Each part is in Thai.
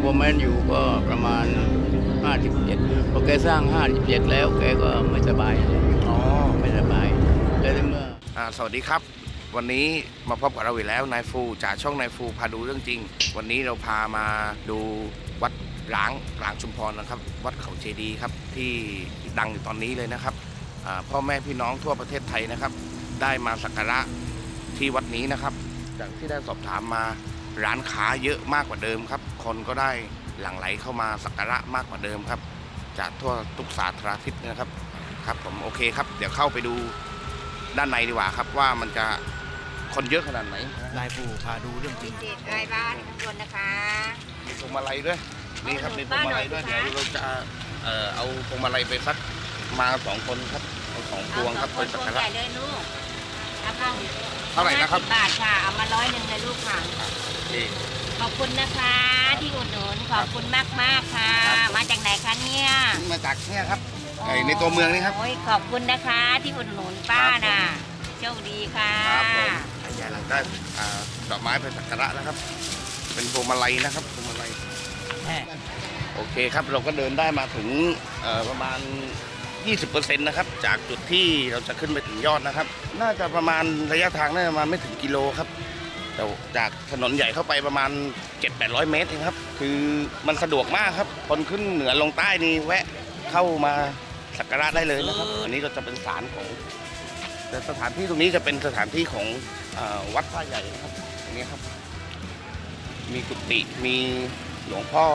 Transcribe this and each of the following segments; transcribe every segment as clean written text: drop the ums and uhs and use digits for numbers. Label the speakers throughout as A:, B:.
A: พ่อแม่อยู่ก็ประมาณ57พอแกสร้าง57แล้วแกก็ไม่สบาย
B: อ๋อ
A: ไม่สบายแล้วเมื่อ
B: สวัสดีครับวันนี้มาพบกับเราอีกแล้วนายฟูจากช่องนายฟูพาดูเรื่องจริงวันนี้เราพามาดูวัดร้างชุมพรนะครับวัดเขาเจดีย์ครับที่ดังอยู่ตอนนี้เลยนะครับพ่อแม่พี่น้องทั่วประเทศไทยนะครับได้มาสักการะที่วัดนี้นะครับจากที่ได้สอบถามมาร้านค้าเยอะมากกว่าเดิมครับคนก็ได้หลั่งไหลเข้ามาสักการะมากกว่าเดิมครับจากทั่วทุกสารทิศนะครับครับผมโอเคครับเดี๋ยวเข้าไปดูด้านในดีกว่าครับว่ามันจะคนเยอะขนาดไหน
C: นายฟูพาดูเรื่องจริง
D: เด็กไร้บ้านข้างบนนะคะ
B: มีพวงมาลัยด้วยนี่ครับมีพวงมาลัยด้วยเดี๋ยวเราจะเอาพวงมาลัยไปสักมา2 คนครับเอา2 พวงครับไปสักการะ
D: ใหญ่เลยลูก
B: เท่าไหร่นะครับ
D: 50 บาทค่ะเอามา100เลยลูกค่ะขอบคุณนะคะที่อุดหนุนขอบคุณมากค่ะมาจากไหนคะเนี่ย
B: มาจากเนี่ยครับในตัวเมืองนี่ครับ
D: โอ้ยขอบคุณนะคะที่อุดหนุนป้าน่ะโชคดีค่ะ
B: ครับผมได้ดอกไม้ไปสักการะนะครับ เป็นพวงมาลัยนะครับพวงมาลัยโอเคครับเราก็เดินได้มาถึงประมาณ 20% นะครับจากจุดที่เราจะขึ้นไปถึงยอดนะครับน่าจะประมาณระยะทางน่าจะมาไม่ถึงกิโลครับแต่จากถนนใหญ่เข้าไปประมาณ 700-800 เมตรเองครับคือมันสะดวกมากครับคนขึ้นเหนือลงใต้นี่แวะเข้ามาสักการะได้เลยนะครับอันนี้ก็จะเป็นศาลของแต่สถานที่ตรงนี้จะเป็นสถานที่ของวัดท่าใหญ่นะครับอันนี้ครับมีกุฏิมีหลวงพ่อ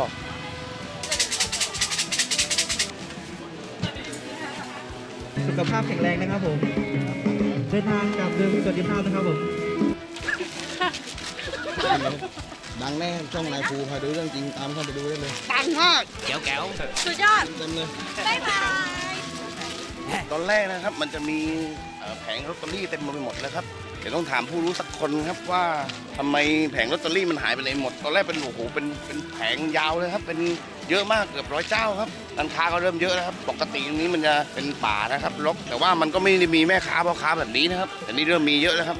C: สุขภาพแข็งแรงนะครับผมเดินทางกลับโดยมีสวัสดิภาพนะครับผม
E: ดังแน่ช่องนายฟูพาดูเรื่องจริงตามเข้าไปดูได้เลย
D: ดังมาก
C: แก้ว
D: สุดยอด
E: เต็มเลย
D: บ๊ายบาย
B: ตอนแรกนะครับมันจะมีแผงลอตเตอรี่เต็มไปหมดเลยครับเดี๋ยวต้องถามผู้รู้สักคนครับว่าทำไมแผงลอตเตอรี่มันหายไปไหนหมดตอนแรกเป็นโอ้โหเป็นแผงยาวเลยครับเป็นเยอะมากเกือบ100 เจ้าครับร้านค้าก็เริ่มเยอะนะครับปกติตรงนี้มันจะเป็นป่านะครับรกแต่ว่ามันก็ไม่ได้มีแม่ค้าพ่อค้าแบบนี้นะครับแต่นี่เริ่มมีเยอะแล้วครับ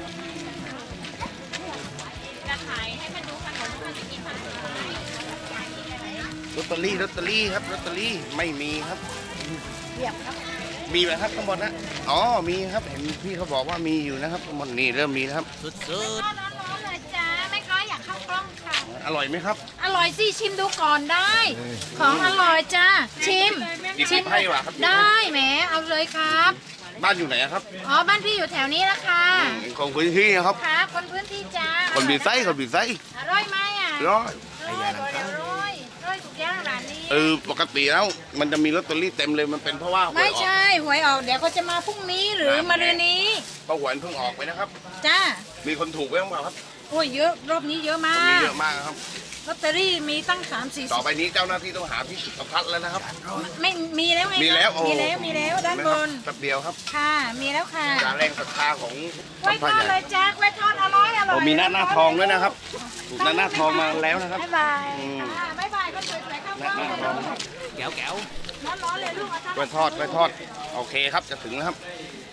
D: จะขายให้มันดูขนมมันจะกินขนม
B: ลอตเตอรี่ครับลอตเตอรี่ไม่มีครับ
D: เรียบครับ
B: มีไหมครับข้างบนนะอ๋อมีครับเห็นพี่เขาบอกว่ามีอยู่นะครับข้างบนนี่เริ่มมีนะครับ
C: สุด
D: ร้อนเลยจ้าแม่ก้อยอยากเข้ากล้องค่ะ
B: อร่อยไหมครับ
D: อร่อยสิชิมดูก่อนได้ของอร่อยจ้าชิม
B: ให้ว่ะครับ
D: ได้แหมเอาเลยครับ
B: บ้านอยู่ไหนครับ
D: อ๋อบ้านพี่อยู่แถวนี้ละค่ะ
B: คนพื้นที่ครับ
D: ครับคนพื้นที่จ้า
B: คนบีไซอ
D: ร่อยไหมอ่ะ
B: ร่อย
D: ทุกอย่างร้านนี้
B: ปกติแล้วมันจะมีลอตเตอรี่เต็มเลยมันเป็นเพราะว่า
D: ไม่ใช่หวยออกเดี๋ยวเขาจะมาพรุ่งนี้หรือมะรืนนี้
B: เพราะหวยเพิ่งออกไปนะครับ
D: จ้า
B: มีคนถูกไว้บ้างเปล่าครับ
D: โอ้ยเยอะรอบนี้เยอะมาก
B: เยอะมากครับ
D: ลอตเตอรี่มีตั้ง3-4ต่
B: อไปนี้เจ้าหน้าที่ต้องหาที่จุดประทัดแล้วนะครับ
D: ไม่มีแล้วไง
B: มีแล้ว
D: ด้านบน
B: แป๊บเดียวครับ
D: ค่ะมีแล้วค่ะ
B: การแรงศรัทธาของ
D: ไว้ทอดเลยจ้าไว้ทอดอร่อย
B: มีหน้าทองด้วยนะครับถูกหน้าทองมาแล้วนะครับ
D: บ๊ายบายบ๊ายบายก็สวยๆครับหน้าทอง
C: แก้ว
D: ร้อนเลยลูก
B: ไว้ทอดโอเคครับจะถึงแล้วครับ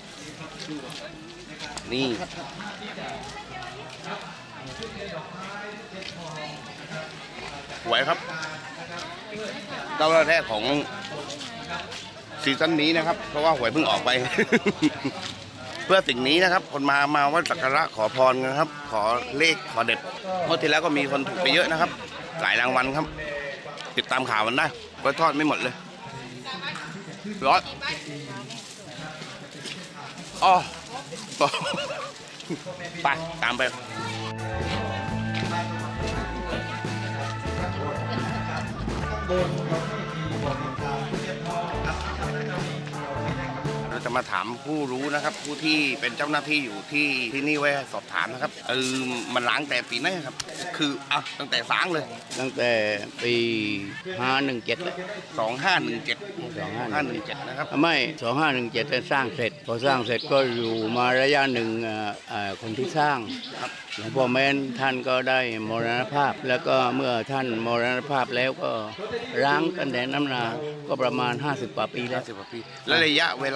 B: นี่หวยครับเจ้าแรกของซีซั่นนี้นะครับเพราะว่าหวยเพิ่งออกไป เพื่อสิ่งนี้นะครับคนมาไหว้สักการะขอพรกันครับขอเลขขอเด็ดเมื่อที่แล้วก็มีคนถูกไปเยอะนะครับหลายรางวัลครับติดตามข่าวมันได้ไว้ทอดไม่หมดเลยร้อนอ๋อไปตามไปเราจะมาถามผู้รู้นะครับผู้ที่เป็นเจ้าหน้าที่อยู่ที่นี่ไว้สอบถามนะครับมันล้างแต่ปีไหนครับคือตั้งแต่สร้างเลย
A: ตั้งแต่ปี517เลย
B: 2517นะครับ
A: ไม่2517สร้างเสร็จพอสร้างเสร็จก็อยู่มาระยะหนึ่งคนที่สร้างหลวงพ่อแม้นท่านก็ได้มรณภาพแล้วก็เมื่อท่านมรณภาพแล้วก็ร้างกันแต่น้ำนาก็ประมาณ50 กว่าปีแล้ว
B: และระยะเวลาที่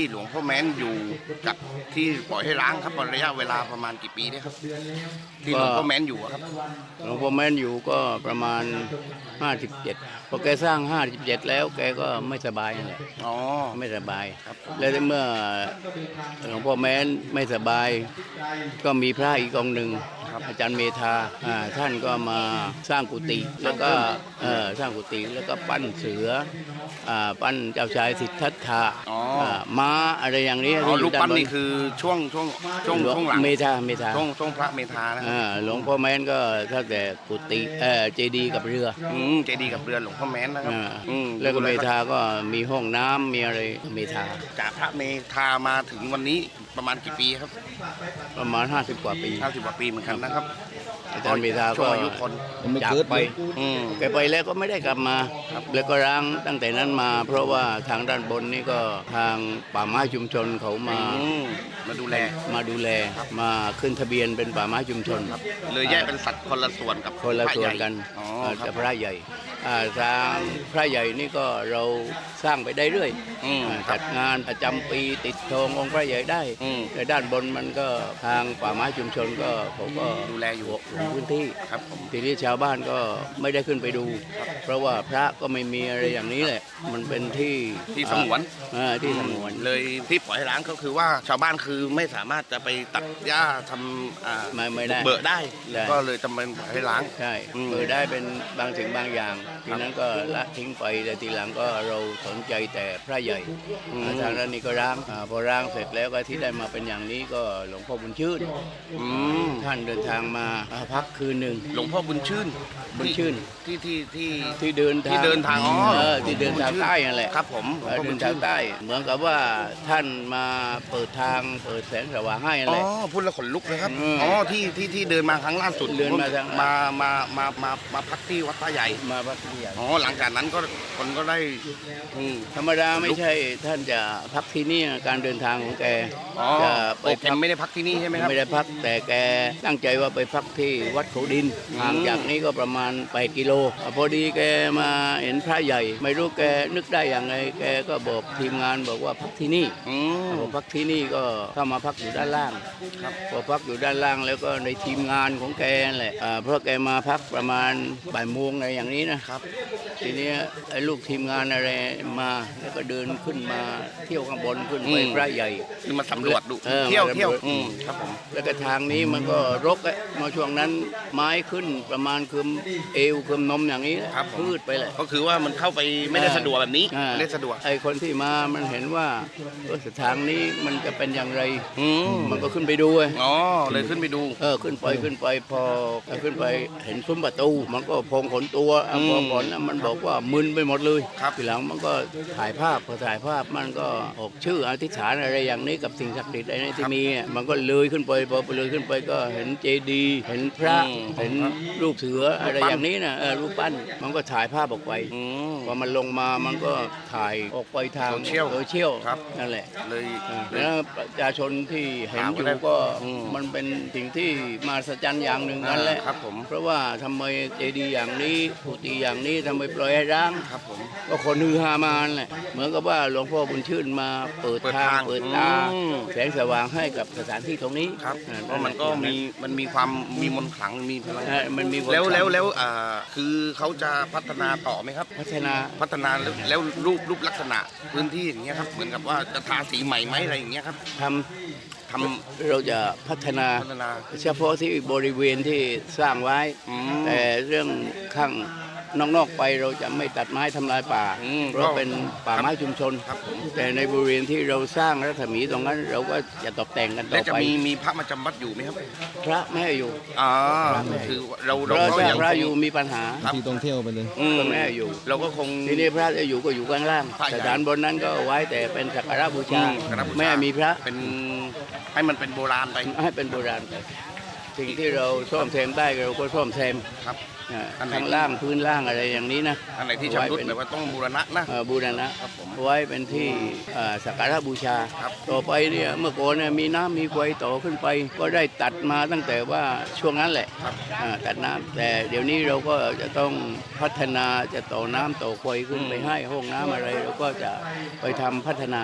B: หลวงพ่อแม้นอยู่กับที่ปล่อยให้ร้างครับระยะเวลาประมาณกี่ปีได้ครับ ที่หลวงพ่อแม้นอยู่อะครับ
A: หลวงพ่อแม้นอยู่ก็ประมาณ 57พอแกสร้าง 57 แล้วแกก็ไม่สบายนั่นแหละ
B: อ๋อ
A: ไม่สบาย
B: ครับ
A: แล้วเมื่อหลวงพ่อแม้นไม่สบาย ก็มีพระอีกองค์หนึ่งอาจารย์เมธาท่านก็มาสร้างกุฏิแล้วก็สร้างกุฏิแล้วก็ปั้นเสือปั้นเจ้าชายสิทธัตถะ
B: อ๋อ
A: ม้าอะไรอย่างนี้
B: อ๋อ
A: ที่อ
B: รู
A: ยู่
B: ป
A: ด้า
B: ปั้น
A: บ
B: นี่คือช่วงหลัง
A: เมธา
B: ช่วงพระเมธานะครับ
A: หลวงพ่อแม้นก็ถ้าแต่กุฏิเจดีย์กับเรือ
B: เจดีย์กับเรือนหลวงพ่อแม้นนะครับ
A: แล้วก็เมธาก็มีห้องน้ำมีอะไรเมธา
B: จากพระเมธามาถึงวันนี้ประมาณกี่ปีครับ
A: ประมาณ50 กว่าปี
B: 50 กว่าปีเหมือนกันนะครับ
A: อาจารย์เมธา
B: ช่ว
A: ก็
B: งอายุคน
E: ผมไม่
A: จาก
E: เกิด
A: ไป
E: เลย
A: แกไปแล้วก็ไม่ได้กลับมาแล้วก็ร้างตั้งแต่นั้นมา เพราะว่าทางด้านบนนี่ก็ทางป่าไม้ชุมชนเขา
B: มาดูแล
A: มาขึ้นทะเบียนเป็นป่าไม้ชุมชน
B: เลยแยกเป็นสัตว์คนละส่วนกับ
A: คนละส่วนกัน
B: อ๋อค
A: แต่
B: รับ
A: พระใหญ่ทางพระใหญ่นี่ก็เราสร้างไปได้เรื่อย จัดงานประจำปีติดธงองค์พระใหญ่ได้แต่ด้านบนมันก็ทางป่าไม้ชุมชนก็เขาก็
B: ดูแลอยู่
A: ลงพื้นที่
B: ครับผม
A: ทีนี้ชาวบ้านก็ไม่ได้ขึ้นไปดู เพราะว่าพระก็ไม่มีอะไรอย่างนี้แหละ มันเป็นที่
B: ที่สงวน
A: ที่สงวน
B: เลยที่ปล่อยให้ร้างก็คือว่าชาวบ้านคือไม่สามารถจะไปตัดหญ้าทำ
A: ไม่ได้
B: เบิกได้
A: ได้
B: ก็เลยจำเป็นปล่อยให้ร้าง
A: ใช่เปิดได้เป็นบางสิ่งบางอย่าง ทีนั้นก็ละทิ้งไปแต่ทีหลังก็เราสนใจแต่พระใหญ่ทางด้านนี้ก็ร้างพอร้างเสร็จแล้วก็ที่ได้มาเป็นอย่างนี้ก็หลวงพ่อบุญชื่นท่านเดินทางมาพักคืนหนึ่ง
B: หลวงพ่อบุญชื่น
A: บุญชื่น
B: ที่
A: เดินทาง
B: ที่เดินทางอ๋อ
A: ที่เดินทางใต้นั่นแหละ
B: ครับผมหลวงพ่อ
A: เดิ
B: บุ
A: น
B: ญ
A: ทา
B: ชื่
A: ง
B: น
A: ใต้ เหมือนกับว่าท่านมาเปิดทางเปิดแสงสว่างให้นั่น
B: อ๋
A: แหละ
B: อพูดแล้วขนลุกเลยครับ
A: อืม
B: อ๋อที่เดินมาครั้งล่าสุด
A: เดินมาทาง
B: มาพักที่วัดท่าใหญ่
A: มาพักที่ใหญ่
B: อ๋อหลังจากนั้นก็คนก็ได้
A: ธรรมดาไม่ใช่ท่านจะพักที่นี่นะการเดินทางของแก
B: อ๋อ
A: จะ
B: โอเคไม่ได้พักที่นี่ใช่ไหมครับ
A: ไม่ได้พักแต่แกตั้งใจว่าไปพักที่วัดเขาดินห่างจากนี้ก็ประมาณ8 กิโลพอดีแกมาเห็นพระใหญ่ ไม่รู้แกนึกได้อย่างไรแกก็บอกทีมงานบอกว่าพักที่นี่พอพักที่นี่ก็เข้ามาพักอยู่ด้านล่างพอพักอยู่ด้านล่างแล้วก็ในทีมงานของแกนั่นแหละเพราะแกมาพักประมาณบ่ายโมงอะไรอย่างนี้นะครับ ทีนี้ไอ้ลูกทีมงานอะไรมาแล้วก็เดินขึ้นมาเที่ยวข้างบนขึ้นไปพระใหญ่
B: คือมาสำรวจดู
A: มา
B: เที่ยว
A: สำรวจ
B: ครับผม
A: แล้วก็ทางนี้มันก็รกมาช่วงนั้นไม้ขึ้นประมาณคืมเอวคืมนมอย่างนี้
B: ครับผม
A: พืชไปเลย
B: ก็คือว่ามันเข้าไปไม่ได้สะดวกแบบนี้ไม่ได้สะดวก
A: ไอ้คนที่มามันเห็นว่าทางนี้มันจะเป็นอย่างไร มันก็ขึ้นไปดู
B: อ๋อเลยขึ้นไปดู
A: ขึ้นไปพอขึ้นไปเห็นซุ้มประตู มันก็พองขนตัวพอก่อนนะมันบอกว่ามึนไปหมดเลย
B: ครับ
A: ทีหลังมันก็ถ่ายภาพพอถ่ายภาพมันก็ออกชื่ออธิษฐานอะไรอย่างนี้กับสิ่งศักดิ์สิทธิ์อะไรที่มีมันก็เลยขึ้นไปพอเลยขึ้นไปก็เห็นเจดีย์เห็นพระเห็นรูปเสืออะไรอย่างนี้นะรูปปั้นมันก็ถ่ายภาพออกไปพอมันลงมามันก็ถ่ายออกไปทางโซเชียล
B: ครับ
A: นั่นแหละ
B: เลย
A: แล้วประชาชนที่เห็นอยู่ก็มันเป็นสิ่งที่มหัศจรรย์อย่างหนึ่งนั่นแหละ
B: ครับผม
A: เพราะว่าทำไมเจดีย์อย่างนี้กุฏิอย่างนี้ทำไมปล่อยให้ร้าง
B: ครับผม
A: ก็คนฮือฮามานั่นแหละเหมือนกับว่าหลวงพ่อบุญชื่นมาเปิดทางเปิดตาแสงสว่างให้กับสถานที่ตรงนี้
B: ครับเพราะมันก็มีความมีมนต์ขลังมีพลัง
A: มันมี
B: แล้วคือเขาจะพัฒนาต่อไหมครับ
A: พัฒนา
B: แล้วรูปลักษณะพื้นที่อย่างเงี้ยครับเหมือนกับว่าจะทาสีใหม่ไหมอะไรอย่างเงี้ยครับ
A: ทำเราจะพัฒนา เฉพาะที่บริเวณที่สร้างไว้ แต่เรื่องข้างนอกๆไปเราจะไม่ตัดไม้ทำลายป่า เพราะเป็นป่าไม้ชุมชน แต่ในบริเวณที่เราสร้างรัศมีตรงนั้นเราก็จะตกแต่งกันต่
B: แล้ว
A: อ
B: จะ
A: ไป
B: มีพระมาจำวัดอยู่ไหมครับ
A: พระไม่ให้อยู่
B: คือเรา
A: เพราะ
B: ก็
A: ถ้า
B: ยัง
A: พระอยู่มีปัญหา
E: ที่ต้องเที่ยวไปเลย
A: ก็ไม่ให้อยู่
B: เราก็คง
A: ทีนี้พระจะอยู่ก็อยู่ข้างล่าง
B: พระใหญ่
A: สถานบนนั้นก็ไว้แต่เป็นสักการะบูชา
B: สักการะบูชา
A: ไม่ให้มีพระ
B: เป็นให้มันเป็นโบราณไป
A: ให้เป็นโบราณไปสิ่งที่เราซ่อมแซมได้เราก็ซ่อมแซม
B: ครับ อันไหน
A: ข้างล่างพื้นล่างอะไรอย่างนี้นะ
B: อันไหนที่ชำรุดแบบว่าต้องบูรณะนะ
A: บูรณะ
B: ครับผม
A: ไว้เป็นที่สักการะบูชา
B: ครับ
A: ต่อไปเนี่ยเมื่อก่อนเนี่ยมีน้ำมีไฟต่อขึ้นไป ก็ได้ตัดมาตั้งแต่ว่าช่วงนั้นแหละตัดน้ำแต่เดี๋ยวนี้เราก็จะต้องพัฒนาจะต่อน้ำต่อไฟขึ้นไปให้ห้องน้ำอะไรเราก็จะไปทำพัฒนา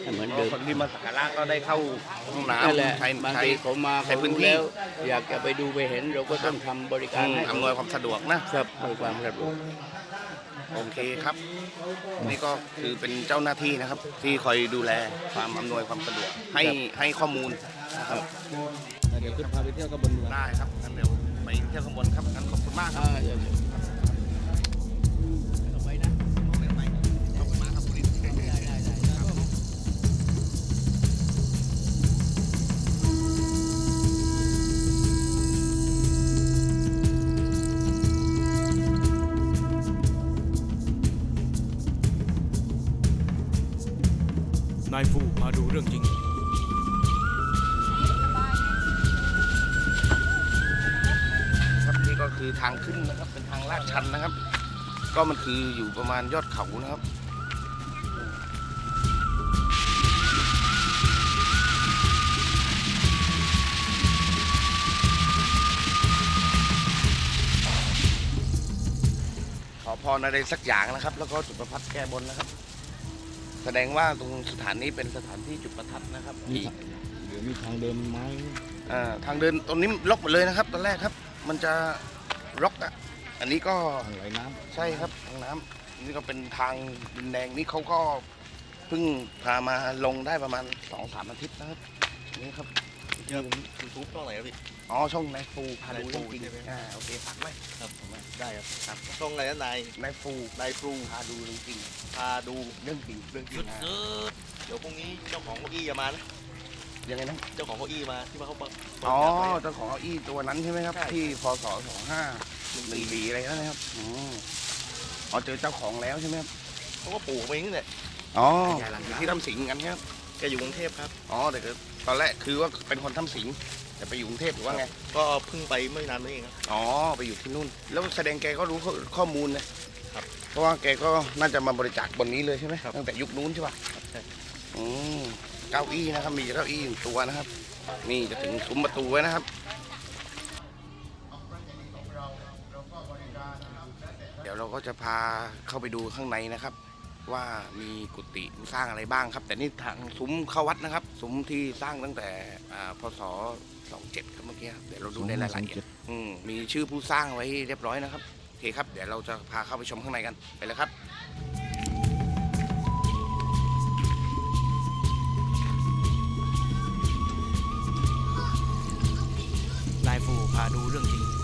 A: ให้เหมือนเดิม
B: คนที่มาสักการะก็ได้เข้าห้องน้
A: นั่นแหละ
B: ำใช้
A: บาง
B: ใช้
A: ทีเขามา
B: ใช้
A: เขา
B: พื้น
A: รู้
B: ที่
A: แล้ว อยากจะไปดูไปเห็นเราก็ต้องทำบริการให้
B: อำนวยความสะดวกนะ
A: ครับบริการสะดวก
B: โอเคครับ นี่ก็คือเป็นเจ้าหน้าที่นะครับ ที่คอยดูแลความอำนวยความสะดวกให้ข้อมูลนะครับ
E: เดี๋ยวขึ้นพาไปเที่ยวกับบนเมือง
B: ได้ครับงั้นเดี๋ยวไปเที่ยวข้างบนครับงั้นขอบคุณมากครับ
A: เดี๋ยว
B: ไปนะขอบคุณมากครับคุณลิศ
F: นายฟูมาดูเรื่องจริง
B: ครับนี่ก็คือทางขึ้นนะครับเป็นทางลาดชันนะครับ ก็มันคืออยู่ประมาณยอดเขานะครับขอพรอะไรสักอย่างนะครับ แล้วก็จุดประทัดแก้บนนะครับ แสดงว่าตรงสถานนี้เป็นสถานที่จุดประทัดนะครับ
E: เดี๋ยวมีทางเดินไม้
B: ทางเดินตรงนี้ล็อกหมดเลยนะครับตอนแรกครับ มันจะล็อกอ่ะอันนี้ก็
E: ทางไหลน้
B: ใช่ครับทางน้ำนี่ก็เป็นทางดินแดงนี่เขาก็เพิ่งพามาลงได้ประมาณ 2-3 อาทิตย์นะครับนี่ครับ
E: ำยูทูบช่องไหนครับพี่
B: อ๋อช่องนายฟูพาดู
E: นายฟู
B: จริง
E: ใช่ไหม
B: ๆโอเคฝากไว้
E: ครับได้ครับช่องไหนนะนาย
B: นายฟู
E: นายปรุง
B: พาดูจริง
E: พาดู
B: ๆเรื่องจริงเรื่องจริงนะ
E: เดี๋ยวพรุ่งนี้เจ้าของเก้าอี้จะมานะ
B: ยังไงนะ
E: เจ้าของเก้าอี้มาที่มาเขาเปิด
B: อ๋อ
E: จัดไว้
B: เจ้าของเก้าอี้ตัวนั้นใช่ไหมครับ
E: ใช่
B: ที่พศ2514อะไรนั่นนะครับอ๋อเจอเจ้าของแล้วใช่ไหมครับ
E: เขาก็ปลูกมาเองนี่แหละ
B: อ๋ออยู่ที่ถ้ำสิงห์กันครับ
E: แกอยู่กรุงเทพครับ
B: อ๋อแต่ก็ตอนแรกคือว่าเป็นคนถ้ำสิงห์แต่ไปอยู่กรุงเทพหรือว่าไง
E: ก็เพิ่งไปไม่นานนี้เองครับ
B: อ๋อไปอยู่ที่นู่น แล้วแสดงแกก็รู้ข้อมูลนะครับ เพราะว่าแกก็น่าจะมาบริจาคบนนี้เลยใช่ไหม
E: ครับ
B: ตั้งแต่ยุคนู้นใช่ป่ะ
E: ใช่
B: อืมเก้าอี้นะครับมีเก้าอี้1ตัวนะครับ นี่จะถึงซุ้มประตูไว้นะครับ เดี๋ยวเราก็จะพาเข้าไปดูข้างในนะครับ ว่ามีกุฏิสร้างอะไรบ้างครับ แต่นี่ทางซุ้มเข้าวัดนะครับ ซุ้มที่สร้างตั้งแต่พศ27ครับเมื่อกี้ครับเดี๋ยวเราดูในรายละเอียดมีชื่อผู้สร้างไว้เรียบร้อยนะครับโอเคครับเดี๋ยวเราจะพาเข้าไปชมข้างในกันไปเลยครับ
F: นายฟูพาดูเรื่องจริง